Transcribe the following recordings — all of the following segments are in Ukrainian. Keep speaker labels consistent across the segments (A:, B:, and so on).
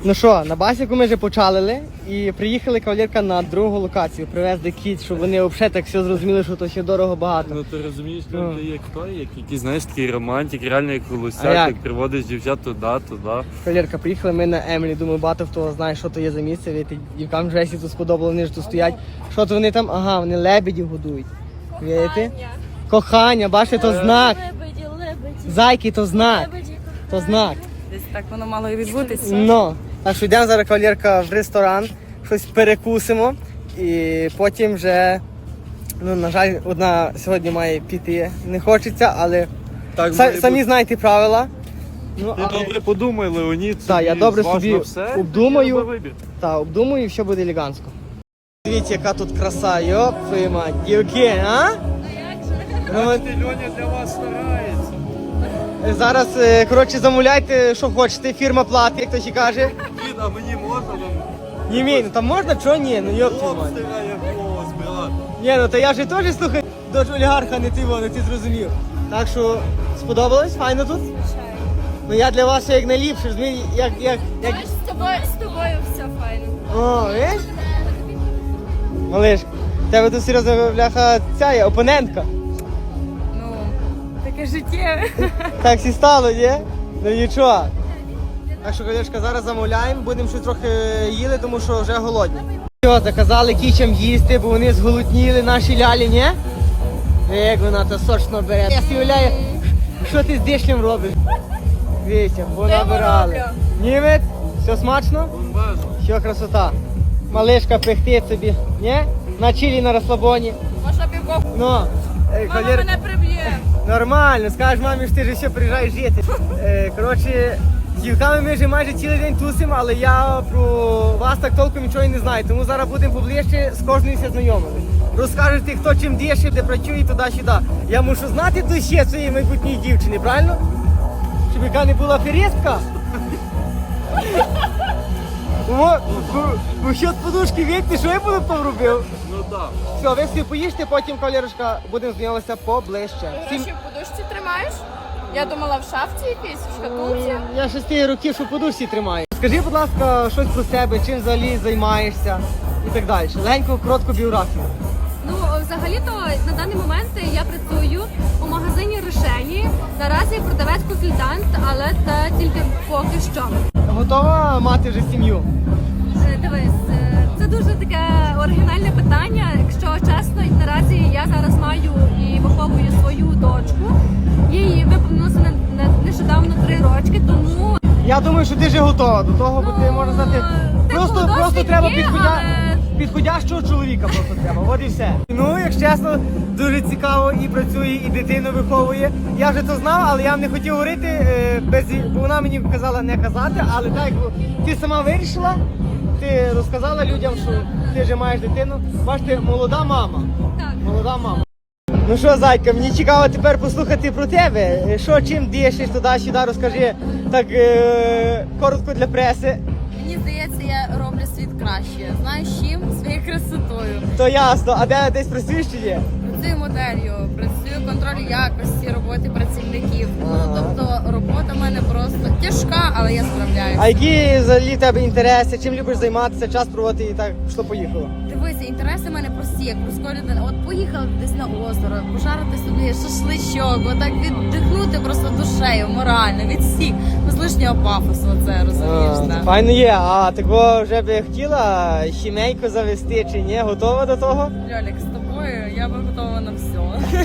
A: Ну що, на басіку ми вже почалили і приїхали кавалерка на другу локацію. Привезли кіт, щоб вони взагалі так все зрозуміли, що то ще дорого багато.
B: Ну ти розумієш, там як той, як якийсь, знаєш, такий романтик, реально як
A: А
B: лосяк,
A: як?
B: як приводиш дівчат туди.
A: Кавалерка, приїхали ми на Емілі, думаю, багато хто знає, що то є за місце. Видите, дівкам вже тут сподобало, вони ж тут стоять. Що то вони там? Ага, вони лебедів годують. Видите? Кохання, бачите, то знак.
C: Лебеді.
A: Зайки, то знак.
C: Лебеді.
A: То знак.
C: Десь так воно мало і відбутися.
A: Ну, так що йдемо зараз, кавалерка, в ресторан, щось перекусимо і потім вже, ну, на жаль, одна сьогодні має піти. Не хочеться, але
B: Так,
A: самі знаєте правила. Ну,
B: Ти добре подумай, Леонід,
A: Так, я добре собі
B: все,
A: обдумаю.
B: і роби вибір.
A: Та, обдумаю, і все буде елегантсько. Дивіться, яка тут краса, йоп, твою мать, дівки, а? Ну,
B: Бачите, Льоня для вас старається.
A: зараз, коротше, замовляйте, що хочете, фірма платить, як то ще каже.
B: Блін, а мені можна вам?
A: Ні, мій, ну там можна, чого ні, ну йоп, твою мать.
B: Стирає голос, брат.
A: Ні, ну то я ж теж, слухай, дощ олігарха, не ти, не ти зрозумів. Так що, сподобалось? Файно тут? Ну я для вас як найліпше, розумієш, як...
C: Знаєш, з тобою все файно.
A: О, видиш? Малиш, в тебе тут серйозно, бляха, ця є, опонентка.
C: Ну, таке життєве.
A: Так всі стало, ні? Ну нічого. Так що, колешка, зараз замовляємо, будемо щось трохи їли, тому що вже голодні. Що, заказали кічам їсти, бо вони зголодніли, наші лялі, ні? Як вона то сочно бере. Я собі уявляю, що ти з дишлем робиш? Дивіться, понабирали. Німець, все смачно?
B: Бомбезно.
A: Що красота. Малишка пихтить собі, ні? На чилі, на розслабоні.
C: Можна півко.
A: Ну,
C: Мама
A: колір...
C: мене приб'є.
A: Нормально, скажеш мамі, що ти ж ще приїжджаєш жити. Коротше, з дівками ми вже майже цілий день тусимо, але я про вас так толком нічого і не знаю. Тому зараз будемо поближче з кожною ся знайомими. Розкажете, хто чим діє, де працює, туди-сюди. Я мушу знати душі своєї майбутньої дівчини, правильно? Щоб яка не була аферистка. Бо що з подушки вікти, що я буду там робив?
B: Ну так.
A: Все, ви всі поїжте, потім, кавалерочка, будемо знайомитися поближче.
C: Ти ще в подушці тримаєш? Я думала в шафці якійсь, в шкатулці.
A: Я 6 років, що в подушці тримаю. Скажи, будь ласка, щось про себе, чим взагалі займаєшся і так далі. Легенько, коротку біографію.
D: Ну, взагалі-то на даний момент я працюю у магазині Рошені. Наразі продавець-консультант, але це тільки поки що.
A: Готова мати вже сім'ю?
D: Дивись, це дуже таке оригінальне питання. Якщо чесно, наразі я зараз маю і виховую свою дочку. Їй виповнилося нещодавно 3 рочки, тому...
A: Я думаю, що ти вже готова до того, бо ти можна сказати, просто
D: досвід
A: треба
D: є, але...
A: підходящого чоловіка просто треба, от і все. Ну, як чесно, дуже цікаво і працює, і дитину виховує. Я вже це знав, але я не хотів говорити, бо вона мені казала не казати, але так, ти сама вирішила, ти розказала людям, що ти вже маєш дитину. Бачите, молода мама.
D: Так.
A: Молода мама. Ну що, зайка, мені цікаво тепер послухати про тебе. Що, чим дієш туди-сюди, розкажи так коротко для преси.
C: Мені здається, я роблю світ краще. Знаєш чим? Своєю красотою.
A: То ясно, а де десь працюєш чи є?
C: Працюю моделлю, працюю контроль якості роботи працівників. Ну, тобто робота в мене просто тяжка, але я справляюся.
A: А які взагалі в тебе інтереси, чим любиш займатися, час проводити і так, що поїхало?
C: Дивися, інтереси в мене прості, як простої людини. От поїхала десь на озеро, пожарити собі шашличок, отак віддихнути просто душею, морально, від всіх, без лишнього пафосу, це розумієш, так?
A: Файно є, а такого вже би хотіла сімейку завести чи ні? Готова до того?
C: Льолік, з тобою я би готова на все.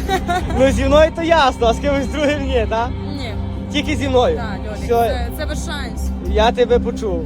A: Ну зі мною то ясно, а з кимось другим ні, так?
C: Ні,
A: Тільки зі мною.
C: так, Льолік,
A: Все,
C: це без шансів.
A: я тебе почув.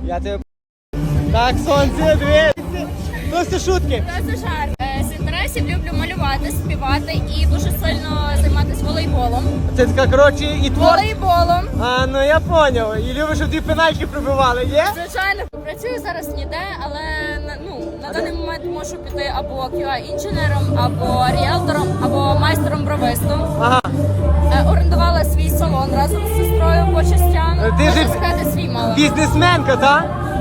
A: Так, сонце, дивіться. То все шутки.
C: Це жарт. З інтересів люблю малювати, співати і дуже сильно займатися волейболом.
A: Це така, коротше, і твор.
C: Волейболом.
A: А, ну я поняв. І любиш, щоб ті пенальки пробивали, є?
C: Звичайно, працюю зараз ніде, але на даний момент можу піти або QA-інженером, або ріелтором, або майстером-бровистом.
A: Ага.
C: Орендувала свій салон разом з сестрою по частям.
A: Ти
C: Можна
A: ж
C: сказати, свій мала.
A: Бізнесменка, так?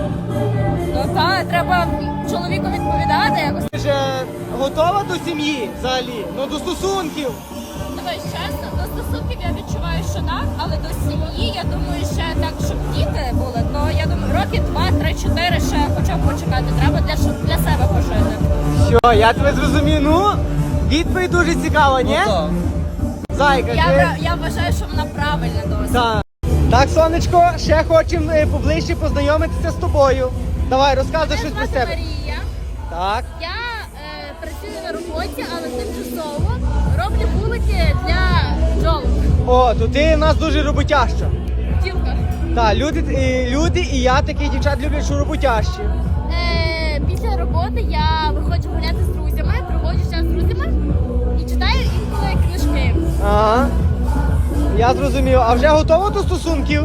C: Ну так, треба чоловіку відповідати якось.
A: Ти ж готова до сім'ї взагалі? Ну до стосунків.
C: Давай чесно, до стосунків я відчуваю,
D: що так, але до сім'ї, я думаю, ще так, щоб діти були, то я думаю, років 2, 3, 4 ще хоча б почекати. Треба для себе пожити.
A: Що, я тебе зрозумів, ну, відповідь дуже цікава, ні? Зайка,
D: Я вважаю, що вона правильна досить.
A: Так. Так, сонечко, ще хочемо поближче познайомитися з тобою. Давай, розказуй щось про себе.
D: Марія.
A: Так.
D: Я працюю на роботі, але тимчасово роблю вулики для бджолок.
A: О, то ти в нас дуже роботяща.
D: Дівка.
A: Так, люди і я такі дівчат люблять, що роботящі.
D: Після роботи я виходжу гуляти з друзями, проводжу час з друзями і читаю інколи книжки.
A: Ага. Я зрозумів. А вже готова до стосунків?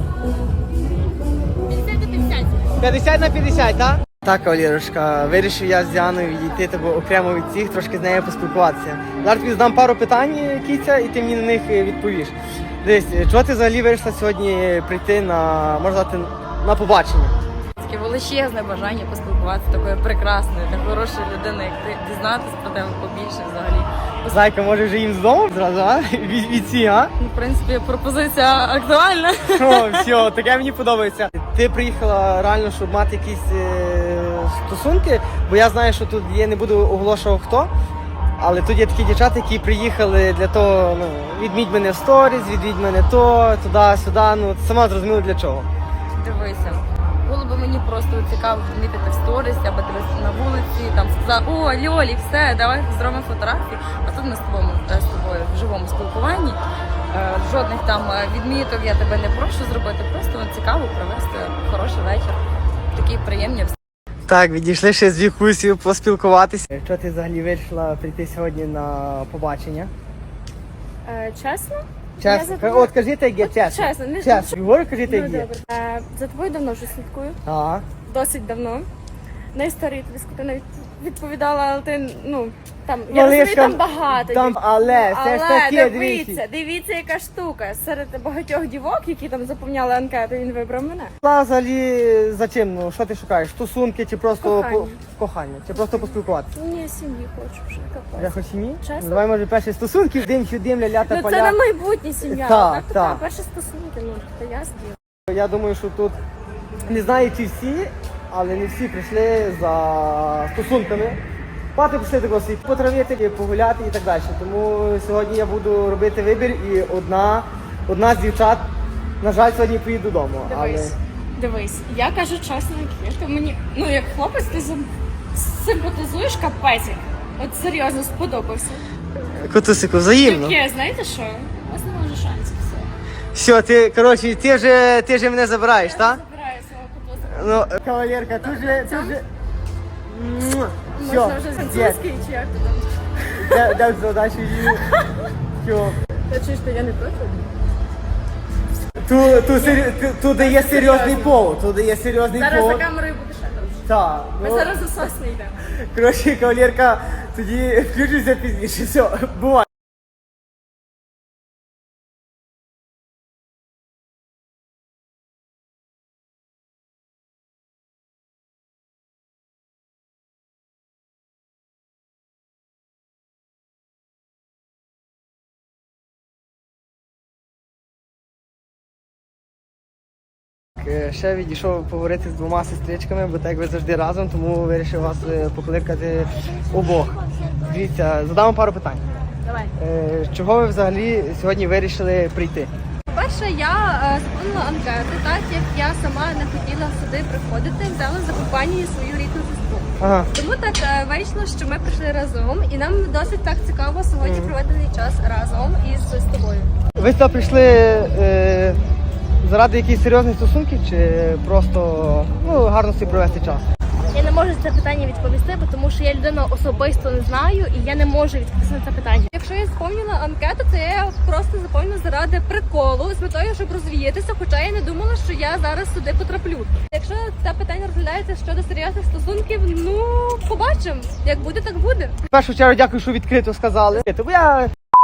D: 50 до 50.
A: 50 на 50, так? Так, кавалерушка, вирішив я з Діаною відійти тебе окремо від всіх, трошки з нею поспілкуватися. Зараз тобі задам пару питань, Кіця, і ти мені на них відповіш. Дивись, чого ти взагалі вирішила сьогодні прийти на, можна сказати, на побачення?
C: Таке величезне бажання поспілкуватися з такою прекрасною та хорошою людиною, як ти, дізнатися про тебе побільше взагалі.
A: Зайка, може вже їм з дому зразу, а? Від ці, а?
C: Ну, в принципі, пропозиція актуальна.
A: О, все, таке мені подобається. Ти приїхала реально, щоб мати якісь стосунки, бо я знаю, що тут є, не буду оголошувати хто, але тут є такі дівчата, які приїхали для того, ну, відміть мене в сторіс, відміть мене то, туди-сюди, ну, ти сама зрозуміла для чого.
C: Дивися. Було б мені просто цікаво відмітити в сторіс, я би тебе на вулиці, там сказала, о, Льолі, все, давай зробимо фотографії. А тут ми з тобою в живому спілкуванні. Жодних там відміток я тебе не прошу зробити, просто цікаво провести хороший вечір. Такі приємні.
A: Так, відійшли ще з Вікусію поспілкуватися. Що ти взагалі вирішила прийти сьогодні на побачення?
D: Чесно?
A: Чесно, от кажи так, як є, чесно.
D: Чесно, не
A: Чесно, говорю, кажи так,
D: Ну,
A: як є.
D: добре. За тобою давно вже слідкую.
A: Ага.
D: Досить давно. На історії тобі скотина відповідала, але ти, ну, там, я
A: Малишка,
D: розумію, там багато.
A: Там, але, все ж таки, дивіться.
D: дивіться, яка штука. Серед багатьох дівок, які там заповняли анкету, він вибрав мене.
A: А взагалі за чим? Ну, що ти шукаєш? Стосунки чи просто
D: Кохання.
A: кохання? Чи просто поспілкуватися?
D: Ні, сім'ї хочу вже капець.
A: Я хоч сім'ї?
D: Чесно?
A: Ну, давай, може, перші стосунки, дим, сюдим, ля-ля та
D: Ну це
A: поля.
D: на майбутнє сім'я.
A: Так,
D: Так,
A: так.
D: перші стосунки, ну, то ясно.
A: Я думаю, що тут, не знаю, чи всі, але не всі прийшли за стосунками. Пати пішли такого світу, потравити, погуляти і так далі. Тому сьогодні я буду робити вибір і одна з дівчат, на жаль, сьогодні поїде додому.
D: Дивись, я кажу чесно, як ти мені, ну як хлопець, ти симпатизуєш капець. От серйозно сподобався.
A: Котусику, взаємно.
D: Таке, знаєте що? У вас не може шансів все.
A: Все, ти вже мене забираєш, так?
D: Забираю свого котуса.
A: Ну, кавалерка, тут же...
D: Можна вже французький чи як ти там?
A: Дай задачу її. Все.
D: Та чуєш, то я не проти?
A: Тут є серйозний повод. Тут є серйозний
D: Зараз за
A: повод.
D: камерою буде ще довше.
A: Так.
D: Ми зараз у сосни йдемо.
A: Коротше, кавалерка, тоді включуся пізніше. Все, бувай. Ще відійшов поговорити з двома сестричками, бо так ви завжди разом, тому вирішив вас покликати обох. Дивіться, задам пару питань.
D: Давай.
A: Чого ви взагалі сьогодні вирішили прийти?
D: По-перше, я заповнила анкету, так як я сама не хотіла сюди приходити, взяла за компанію свою рідну сестру.
A: Ага.
D: Тому так вийшло, що ми прийшли разом, і нам досить так цікаво сьогодні проведений час разом із тобою.
A: Ви сюди прийшли заради якихось серйозних стосунків чи просто гарно собі провести час?
E: Я не можу це питання відповісти, тому що я людину особисто не знаю і я не можу відповісти на це питання.
D: Якщо я заповнила анкету, то я просто заповнила заради приколу з метою, щоб розвіятися, хоча я не думала, що я зараз сюди потраплю. Якщо це питання розглядається щодо серйозних стосунків, ну побачимо. Як буде, так буде.
A: В першу чергу дякую, що відкрито сказали. Бо я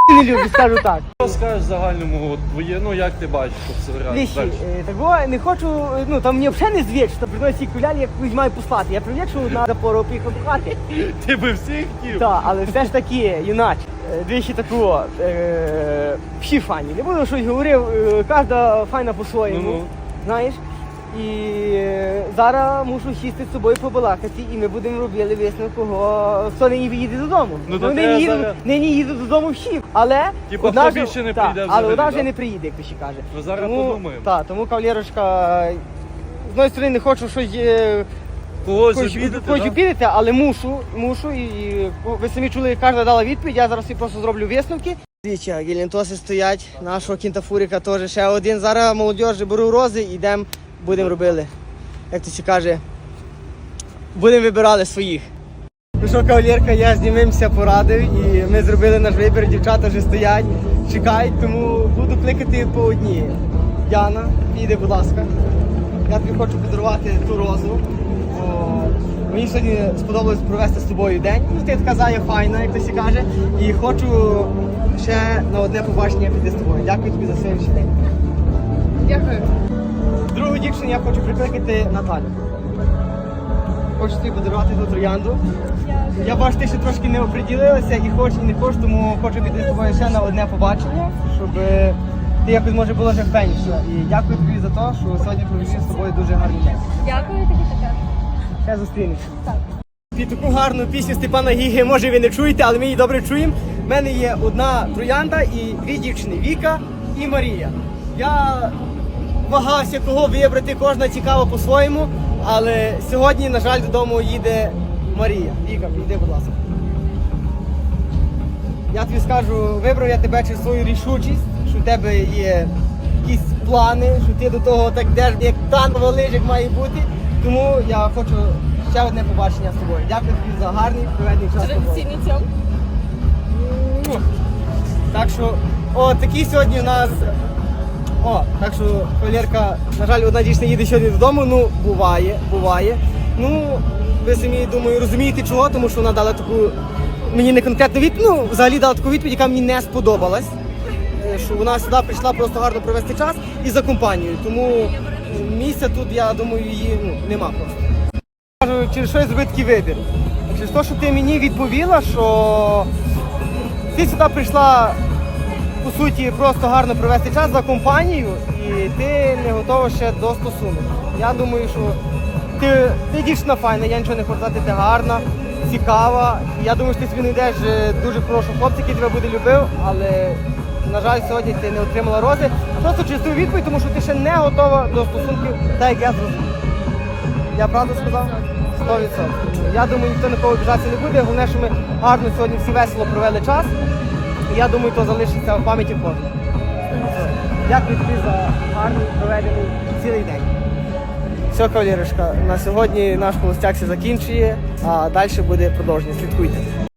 A: не люблю, скажу так.
B: Що скажеш в загальному, от, твоє, ну як ти бачиш, що все грає?
A: Віщі, такого не хочу, ну там мені взагалі не звично, приносять ці кулялі, як колись маю послати. Я прив'ячу на запору поїхав до хати.
B: Ти би всіх хотів?
A: Так, але все ж таки, юнач, двічі такого, всі фані. Не буду щось говорив, кожна файна по-своєму,
B: Ну-ну.
A: знаєш. І зараз мушу сісти з собою побалакати, і ми будемо робити висновок, кого хто нині їде додому.
B: Ну, то
A: нині,
B: треба
A: їду,
B: зараз-
A: нині їду додому всі. Але
B: Типа,
A: одна
B: хто
A: вже-
B: більше не
A: так,
B: прийде
A: але
B: взагалі,
A: одна вже
B: так?
A: не приїде, як то ще каже.
B: Ну, зараз подумаємо.
A: Так, тому кавалерочка, з одної сторони не хочу щось
B: Когось
A: Хочу
B: обідати,
A: підете, але мушу, і ви самі чули, кожна дала відповідь, я зараз просто зроблю висновки. Дивіться, гелінтоси стоять, нашого кінтафурика теж ще один. Зараз молодіж беру рози і йдемо, будемо робили, як то ще каже, будемо вибирали своїх. Ну що, кавалерка, я знімемося, порадив, і ми зробили наш вибір, дівчата вже стоять, чекають, тому буду кликати по одній. Яна, піде, будь ласка. Я тобі хочу подарувати ту розу. Мені сьогодні сподобалось провести з тобою день. Ну, ти така зая файна, як хтось і каже. І хочу ще на одне побачення піти з тобою. Дякую тобі за сьогоднішній день.
E: Дякую.
A: Другу дівчину я хочу прикликати Наталю. Хочу тобі подарувати ту троянду. Я бачу, ти ще трошки не оприділилася і хочеш, і не хочеш, тому хочу піти з тобою ще на одне побачення, щоб ти якось може була вже впевненіша. І дякую тобі за те, що сьогодні провели з тобою дуже гарний день.
D: Дякую, тобі таке.
A: Ще зустрінемося. Під таку гарну пісню Степана Гіги, може ви не чуєте, але ми її добре чуємо. У мене є одна троянда і дві дівчини, Віка і Марія. Я вагався, кого вибрати, кожна цікава по-своєму, але сьогодні, на жаль, додому їде Марія. Віка, підійди, будь ласка. Я тобі скажу, вибрав я тебе через свою рішучість, що в тебе є якісь плани, що ти до того так йдеш, як танк валиш, як має бути. Тому я хочу ще одне побачення з тобою. Дякую тобі за гарний проведений час з тобою. Так що, такі сьогодні у нас. Так що, кавалерка, на жаль, одна дівчина їде сьогодні додому, ну, буває. Ну, ви самі, думаю, розумієте чого, тому що вона дала таку, мені не конкретну відповідь, ну, взагалі дала таку відповідь, яка мені не сподобалась. Що вона сюди прийшла просто гарно провести час і за компанією. Тому місця тут, я думаю, її нема просто. Кажу, через що я зробив такий вибір? Через те, що ти мені відповіла, що ти сюди прийшла, по суті, просто гарно провести час за компанією, і ти не готова ще до стосунок. Я думаю, що ти дівчина файна, я нічого не хочу сказати, ти гарна, цікава. Я думаю, що ти собі знайдеш дуже хорошого хлопця, який тебе буде любив, але, на жаль, сьогодні ти не отримала рози. Просто чисту відповідь, тому що ти ще не готова до стосунків, так як я зрозумів. Я правду сказав? 100%. Я думаю, ніхто нікого обіжатися не буде. Головне, що ми гарно сьогодні всі весело провели час. І я думаю, то залишиться в пам'яті кожного. Дякую тобі за гарний проведений цілий день. Все, кавалерочка, на сьогодні наш холостяк все закінчує, а далі буде продовження. Слідкуйте.